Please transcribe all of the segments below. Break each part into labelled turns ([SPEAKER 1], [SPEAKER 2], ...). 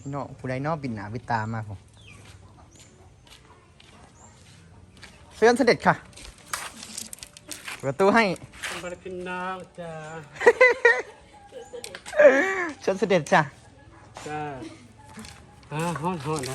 [SPEAKER 1] พี่น้องผู้ใดนอกปิดหนาปิดตามาผมเชิญเสด็จค่ะเปิดประตูให้
[SPEAKER 2] บริพินน้องจ้า
[SPEAKER 1] เชิญเสด็จจ้ะ
[SPEAKER 2] จ้าฮอนนะ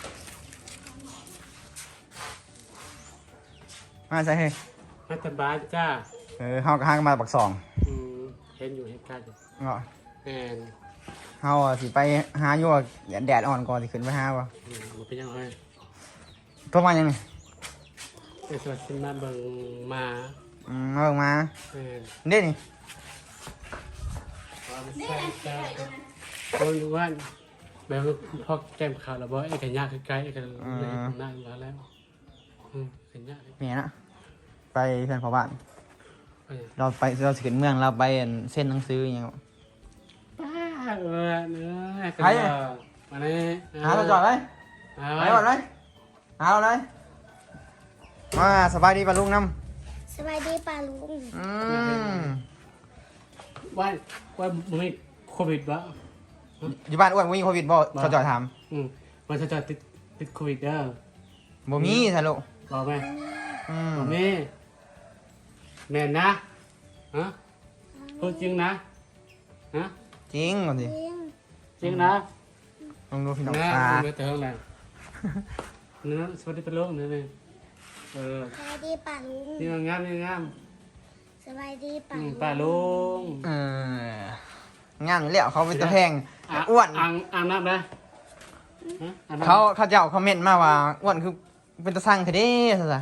[SPEAKER 1] มาใส่ให้
[SPEAKER 2] รัฐบาลจ้า
[SPEAKER 1] เฮากับห้างมาปักสอง
[SPEAKER 2] เห็นอยู่เหตุการณ์
[SPEAKER 1] เนาะ
[SPEAKER 2] แอน
[SPEAKER 1] เฮาสิไปหาอยู่แดดอ่อนก่อนสิขึ้นไปหาวะ
[SPEAKER 2] มันเป็นยังไง
[SPEAKER 1] ตัวมายังไง
[SPEAKER 2] ไอ้สวัสดิ์มาเบิ่งมา
[SPEAKER 1] มาเบิ่งมา
[SPEAKER 2] แอน
[SPEAKER 1] เด้นี่
[SPEAKER 2] ว่ามันใช่จ้าคนรู้ว่าแบบพอแก้มขาวแล้วบ่ไอ้กันยากใกล้ๆไอ้กันเลยนั่งแล้วกันยาก
[SPEAKER 1] เมียนะไปเพื่อนพ่อบ้านเราสิขึ้นเมืองเราไปเส้นหนังสืออย่างเงี้ย
[SPEAKER 2] เนื้อมาเลย
[SPEAKER 1] หาเราจอดเลยไปก่อนเลยหาเราเลยมาสบายดีป่ะลุงน้ำ
[SPEAKER 3] สบายดีป่าลุง
[SPEAKER 2] ว่ามึงมีโควิดปะ
[SPEAKER 1] อยู่บ้านอ้วนมีโควิดบ่เขาจอดถาม
[SPEAKER 2] มันจะติดโควิดเด้อ
[SPEAKER 1] บ่มีสรุป
[SPEAKER 2] บอกไหมบอกแม่แม่นะฮะพูดจริงนะฮะ
[SPEAKER 1] จริงก่อนสิ
[SPEAKER 2] จริงนะ
[SPEAKER 1] ลองดูพี่น้อง
[SPEAKER 2] นะ
[SPEAKER 1] ตา
[SPEAKER 2] ไม่เติมแล้วเนื้อสวัสดีเป็นโลกเนื้อเลย
[SPEAKER 3] สบายดีป่าลุง
[SPEAKER 2] นี่งามนี่งาม
[SPEAKER 3] สบายดีป่าลุง
[SPEAKER 2] ป้าลุง
[SPEAKER 1] งานแล้วเขาเป็นตะแพงอ้วน
[SPEAKER 2] อ่างน้ำนะ
[SPEAKER 1] เขาเจ้าคอมเมนต์มาว่าอ้วนคือเป็นตะสั่งเทเด้ซะ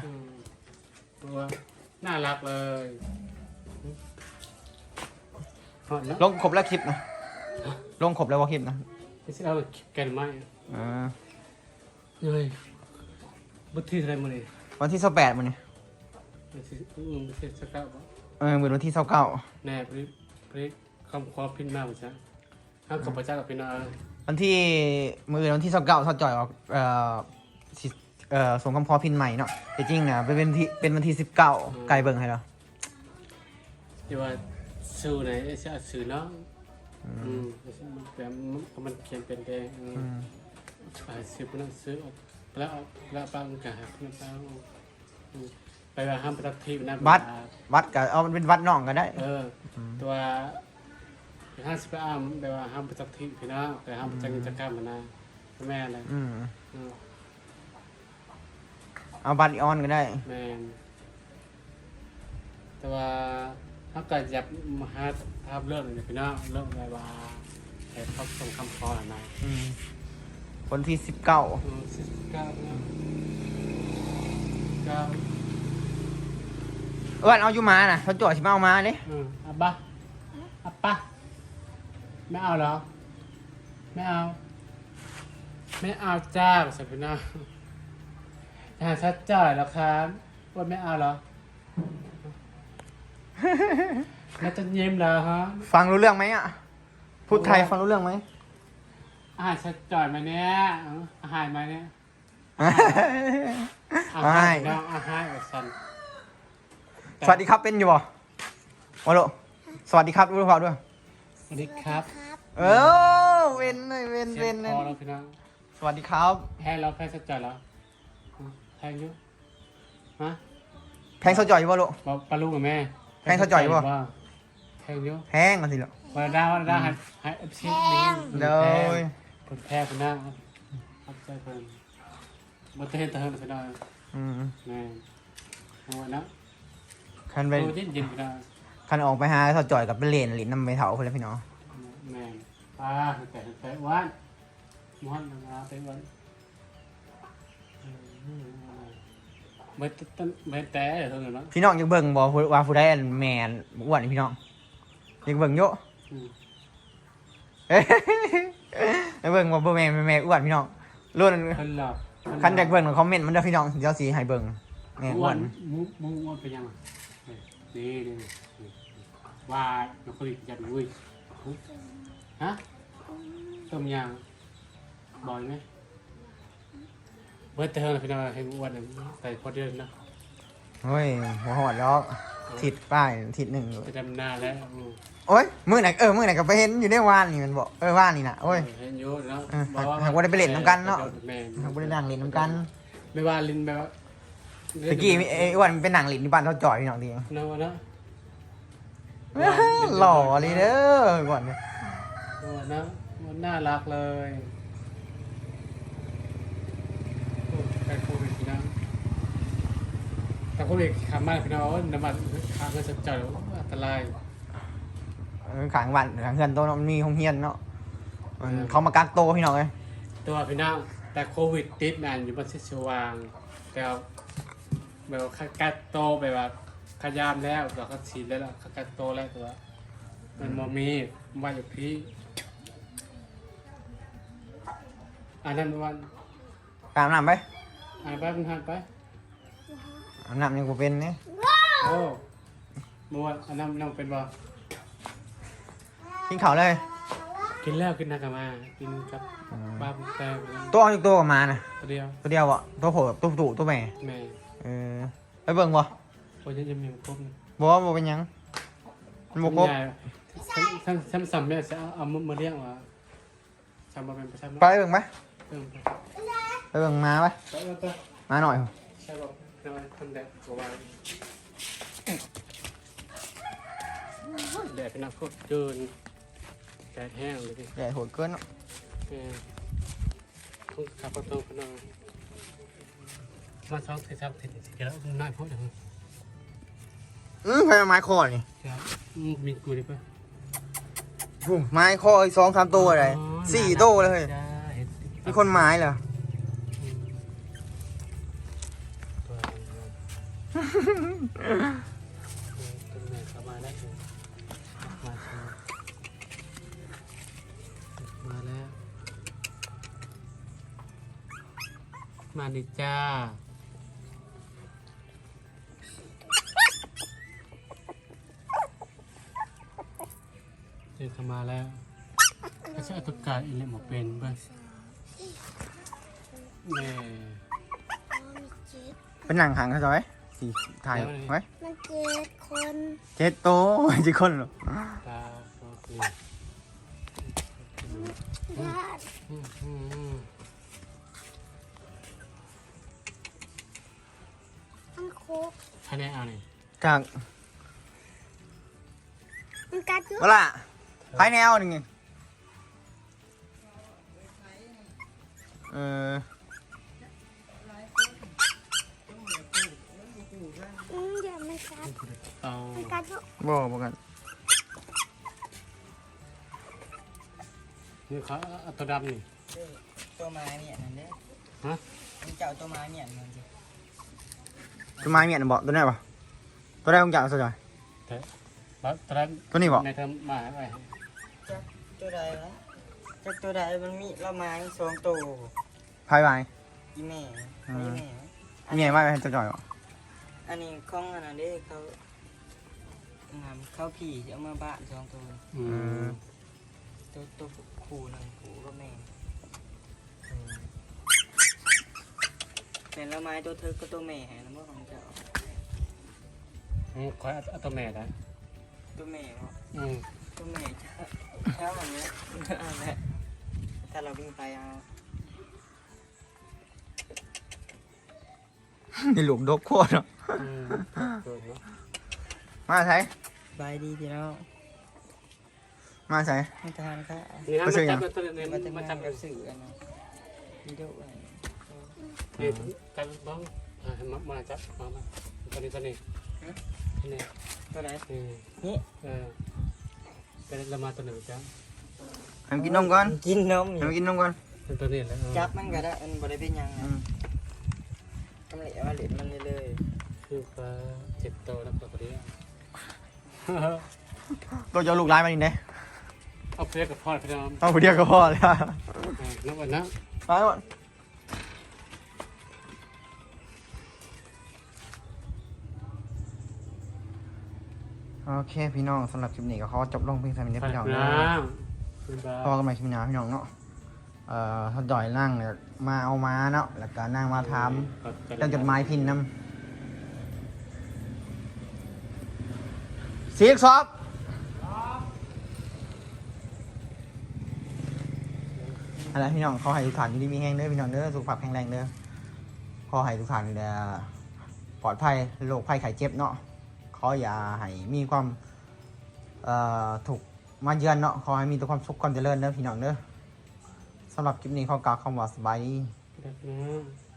[SPEAKER 2] น่ารักเลยแล้ว
[SPEAKER 1] ลงครบแล้วคลิปนะลงครบแล้วว่าคลิปนะ
[SPEAKER 2] ไม่ใช่เราแกนไม้ เลยบุตรอะไรมาเลย
[SPEAKER 1] วันที่28มื้อนี้
[SPEAKER 2] ไม่ใช่สักเก้าปะ
[SPEAKER 1] มื้อวันที่29
[SPEAKER 2] แน่พริกคำความพินมาเหมือนกันห้ามกับพระเจ้ากับพินา
[SPEAKER 1] วันที่วันที่29เขาจ่อยออกส่งคำพอพินใหม่เนาะแต่จริงนะเป็นวันที่19ไกลเบิ่งให้แล้ว
[SPEAKER 2] ที่ว่าสื่อไหนจะสื่อเนาะแต่มันเขียนเป็นแดงสื่อพนักซื้อแล้วปังกับพนักปังไปว่าห้ามประทีปนะ
[SPEAKER 1] วัดก็เอามันเป็นวัดน้องก็ได้
[SPEAKER 2] ตัวห้าสิบอ้ามแปลว่าห้ามประทีปพี่น้องแต่ห้ามจังจักรมันนะแม่อะไร
[SPEAKER 1] เอาบัตรออนก็ได้
[SPEAKER 2] แม่แต่ว่าถ้าเกิดอยากมาหาภาพเรื่องเลยพี่น้องเรื่องอะไรว่าแต่เขาส่งคำขอนะ
[SPEAKER 1] วันที่19
[SPEAKER 2] 49นะ9
[SPEAKER 1] เอาอยู่มาน่ะเขาจ่อยสิมาเอามาเด้
[SPEAKER 2] อับปะไม่เอาเหรอไม่เอาจ้าสัพนาชัดจ่อยแล้วครับว่าไม่เอาเหรอน่าจะเยี่ยมแล้วฮะ
[SPEAKER 1] ฟังรู้เรื่องไหมอ่ะพูดไทยฟังรู้เรื่องไหม
[SPEAKER 2] อาหารชัดจ่อยมาเนี่ยอาหารมาเนี่ยอาหารน้องอาหารสัน
[SPEAKER 1] สวัสดีครับเป็นอยู่บ่โอ้โหสวัสดีครับรู้เปล่าด้วย
[SPEAKER 2] สวัสดีครับ
[SPEAKER 1] เว้นเลยเว้น
[SPEAKER 2] พอแล้วพี่น้อง
[SPEAKER 1] สวัสดีครับ
[SPEAKER 2] แพ้แล้วแพ้ชัดจ่อยแล้วแพงอยู่ฮะ
[SPEAKER 1] แพงเขาจ่อยอยู่บ่ลูก
[SPEAKER 2] ปลาลูกกับแม่แพงอยู่
[SPEAKER 1] แพงกันสิลูก
[SPEAKER 2] วันดาให้เอฟซีนี่
[SPEAKER 1] เลย
[SPEAKER 2] คนแพ้คนหน้าครับใจเพิ่นมาเต้นเติมพี่น้องแม่เอาไว้นะ
[SPEAKER 1] คันไป
[SPEAKER 2] โอ้ยินยินพี่น้อง
[SPEAKER 1] คันออกไปหาเขาจ่อยกับเป็นเหรียญน้ำไปเถาคนละพี่น้อง
[SPEAKER 2] แม่ป้าแต่วันม้วนนะไปวันไม่แต่เท่านั้นนะ
[SPEAKER 1] พี่น้องยังเบิ่งบ่ว่าผู้ใดแมนอ้วนพี่น้องยังเบิ่งเยอะยังเบิ่งว่าบ่แม่อ้วนพี่น้องรุ่น
[SPEAKER 2] คนหลับ
[SPEAKER 1] คันอยากเบิ่งคอมเมนต์มันเด้อพี่น้องเดี๋ยวสิให้เบิ่งแม่อ้วน
[SPEAKER 2] มุ้งเป็นยังนี่ว่าเราคุยกันวุ้ยฮะต้มยำบ่อยไหมเบิร์ดเธอพี่น้องให้อ้วนใส่พอดีนะ
[SPEAKER 1] เฮ้ยหัวหอดดอกทิศป้ายทิศหนึ่ง
[SPEAKER 2] ไปดำนาแล้ว
[SPEAKER 1] โอ้ยมื้อไหนมื้อไหนก็ไปเห็นอยู่ในว่านนี่มันบอกว่านนี่นะโอ้ย
[SPEAKER 2] เห็นอยู่เนาะ
[SPEAKER 1] หากว่าได้ไปเล่นน้ำกันเนาะ
[SPEAKER 2] แม่
[SPEAKER 1] หากว่าได้นั่งเล่นน้ำกัน
[SPEAKER 2] ไม่ว่าลินแบบว่า
[SPEAKER 1] ตะกี้ไอ้อ้วนมันเป็นหนังเล่นที่บ้านเขาจ่อยพี่น้องดี
[SPEAKER 2] เนาะเนาะ
[SPEAKER 1] หล่อเลยเด้อก่อนเนี่ย
[SPEAKER 2] นะมันน่ารักเลยไปโควิดนะแต่โควิดขามาพี่น้องน้ำมันขาเงินสดจ่อยอันตราย
[SPEAKER 1] ขางบ้านขางเฮือนโตเนาะมันมีห้องเฮียนเนาะมันเขามากักโตพี่น้องเลย
[SPEAKER 2] ตัวพี่น้องแต่โควิดติดนานอยู่บนเส้นสว่างแต่แบบกัดโตแบบว่าขยามแล้วเราก็ฉีดแล้วกัดโตแล้วตัวมันมมีว่าอยู่พี่อันนั้นวัน
[SPEAKER 1] ตามน้ำไป
[SPEAKER 2] อ่านไปมันหันไป
[SPEAKER 1] อาบน้ำยังกูเป็นเนี่ย
[SPEAKER 2] โอ้เมื่อวานอันนั้นน้องเป็นบ่
[SPEAKER 1] กินข้าวเลย
[SPEAKER 2] กินแล้วกินนักมากินกับบ้าแต่
[SPEAKER 1] ตัวเอาอีกตัวออกมานะ
[SPEAKER 2] ตัวเดียว
[SPEAKER 1] ตัวเดียวอ่ะตัวโผล่ตัวตู่ตัวแม่
[SPEAKER 2] แม่
[SPEAKER 1] ไปเบิ่งบ่
[SPEAKER 2] โอ้ยยังมีครบ
[SPEAKER 1] บ่ว่าบ่เป็นหยังมันบ่ครบ
[SPEAKER 2] ทั้งสามแม่จะเอามาเลี้ยงว่าจำมาเป็นประชาชน
[SPEAKER 1] ไปเบิ่งไหม
[SPEAKER 2] เออ
[SPEAKER 1] ไปเบิ่งมาไป
[SPEAKER 2] ไป
[SPEAKER 1] มาหน่อย
[SPEAKER 2] ใช่บอกนอนคนแดดกว่าแดดเป็นนักโคตรเดินแดดแห้งเลยพี่
[SPEAKER 1] ใหญ่โหดเกินเนาะ
[SPEAKER 2] ต้องขับประตูกันหน่อยมาซ้อมเสร็จครับเสร็จแล้วน่าพูดอย่างนี้
[SPEAKER 1] ไฟไม้คอนี่
[SPEAKER 2] มีกูดิป่ะ
[SPEAKER 1] ไม้คออีก2-3ตัวอะไร4ตัวเลยมีคนไม้เหรอ
[SPEAKER 2] ต้นไม้เข้ามาได้มาแล้วมาดิจ้าเจอเข้ามาแล้วก็ใช้อัตกาอิเล็กหมดเป็นเบ้างแม่
[SPEAKER 1] เป็นหนังหางเขาจอยสีถ่ายไว้
[SPEAKER 3] มัน7 คน
[SPEAKER 1] 7ตัวกี่คนเหรอ
[SPEAKER 2] ตาโอเค
[SPEAKER 3] ญาติมันโคก
[SPEAKER 2] คะแนนเอาหน่อย
[SPEAKER 1] จาก
[SPEAKER 3] มันกัดอยู่
[SPEAKER 1] เวลาภายแนวหนึ่ง
[SPEAKER 3] เดี๋ยวมันกัด
[SPEAKER 2] เอา
[SPEAKER 3] มันกัดอยู่
[SPEAKER 1] บอกกัน
[SPEAKER 2] นี่เขาเอาตัวดำนี่
[SPEAKER 4] ตัวไม้เนี่ยนั่นเด้
[SPEAKER 2] ฮะ
[SPEAKER 4] มันจะเอาตัวไม้เนี่ยมันสิ
[SPEAKER 1] ตัวไม้เมียนบอกตัวไหนปะตัวไหนของจ่าสจอย
[SPEAKER 2] แต่ตัวนั้น
[SPEAKER 1] ตัวนี้บอก
[SPEAKER 2] ในเทอมมาไป
[SPEAKER 4] จักตัวใดวะจักตัวใดมันมีละไม้2ตัว
[SPEAKER 1] ภายไม้
[SPEAKER 4] อีแม่
[SPEAKER 1] อืม
[SPEAKER 4] อีแม่
[SPEAKER 1] เมียไม่เป็นสจอยบอก
[SPEAKER 4] อันนี้ของอันนั้นเด้เขาเขาผีเอามาบ้าน2ตัว
[SPEAKER 2] อืม
[SPEAKER 4] ตัวคู่นึงคู่ก็แม่แต่ละไม้ตัวเธอก็ตัวแม่นะบ่ของเจ้า
[SPEAKER 2] คอยเอาตัวแม่นะ
[SPEAKER 4] ตัวแม่เนาะ
[SPEAKER 2] อืม
[SPEAKER 4] ตัวแม่เช้าวันนี้อันนี้ถ้าเราวิ่งไปเอา
[SPEAKER 1] นี่หลุมดกโคตรเนาะ
[SPEAKER 2] อืมตัวเนาะ
[SPEAKER 1] มาใช้
[SPEAKER 4] บายดีพี่น้อง
[SPEAKER 1] มาใช้
[SPEAKER 4] ไม่ทานค่ะ
[SPEAKER 2] นี่นะ
[SPEAKER 1] ไม่
[SPEAKER 2] มา
[SPEAKER 1] ใช่หยั
[SPEAKER 2] จั
[SPEAKER 1] ง
[SPEAKER 2] บตัวนี้
[SPEAKER 4] มันจะ
[SPEAKER 2] มา
[SPEAKER 4] มา
[SPEAKER 2] จับ
[SPEAKER 4] ทำ
[SPEAKER 2] กั
[SPEAKER 4] กัน บสื่อกันนะวิดีโออะไร
[SPEAKER 2] นี่จับบ้างมาจับมาตัวนี้นี่
[SPEAKER 4] ตัวไหน
[SPEAKER 2] นี่เป็นละมาตัวหนึ่งจ้ะ
[SPEAKER 1] ให้มันกินนมก่อน
[SPEAKER 4] กินนม
[SPEAKER 1] ให้มันกินนมก่อน
[SPEAKER 2] เป็นตัวนี้แล้ว
[SPEAKER 4] จับมันก็ได้มันบ่ได้เป็นหยัง
[SPEAKER 1] อื
[SPEAKER 4] นะ
[SPEAKER 1] ม
[SPEAKER 4] ทำเหลวมาเหลวมันเลย
[SPEAKER 2] คือปลา7ตัวแล้วตัวนี้
[SPEAKER 1] ตัวจะเอาลูกลายมาดินเด้
[SPEAKER 2] เอาเพื่อกับพ่อพี่น้อง
[SPEAKER 1] เอาผู้เดียวก็พอแล้ว
[SPEAKER 2] นับวันนะ
[SPEAKER 1] ไปหมดโอเคพี่น้องสำหรับคลิปนี้ก็ขอจบลงเพียงเท่านี้นะพี่น้องนะ
[SPEAKER 2] คุณบ้า
[SPEAKER 1] พอกันใหม่คลิปหน้าพี่น้องเนาะถ้าจ่อยนั่งเนี่ยมาเอามาเนาะแล้วก็นั่งมาทำเรื่องจดหมายพินนำสีกซอบอะไรพี่น้องเขาให้ทุกฐานอยู่ดีมีแห้งเด้อพี่น้องเด้อสุขภาพแข็งแรงเด้อขอให้ทุกฐานปลอดภัยโรคภัยไข้เจ็บเนาะขออย่าให้มีความถูกมาเยือนเนาะขอให้มีแต่ความสุขความเจริญเด้อพี่น้องเด้อสำหรับคลิปนี้ขอกล่าวคำว่าสบายดี
[SPEAKER 2] เด็กนะ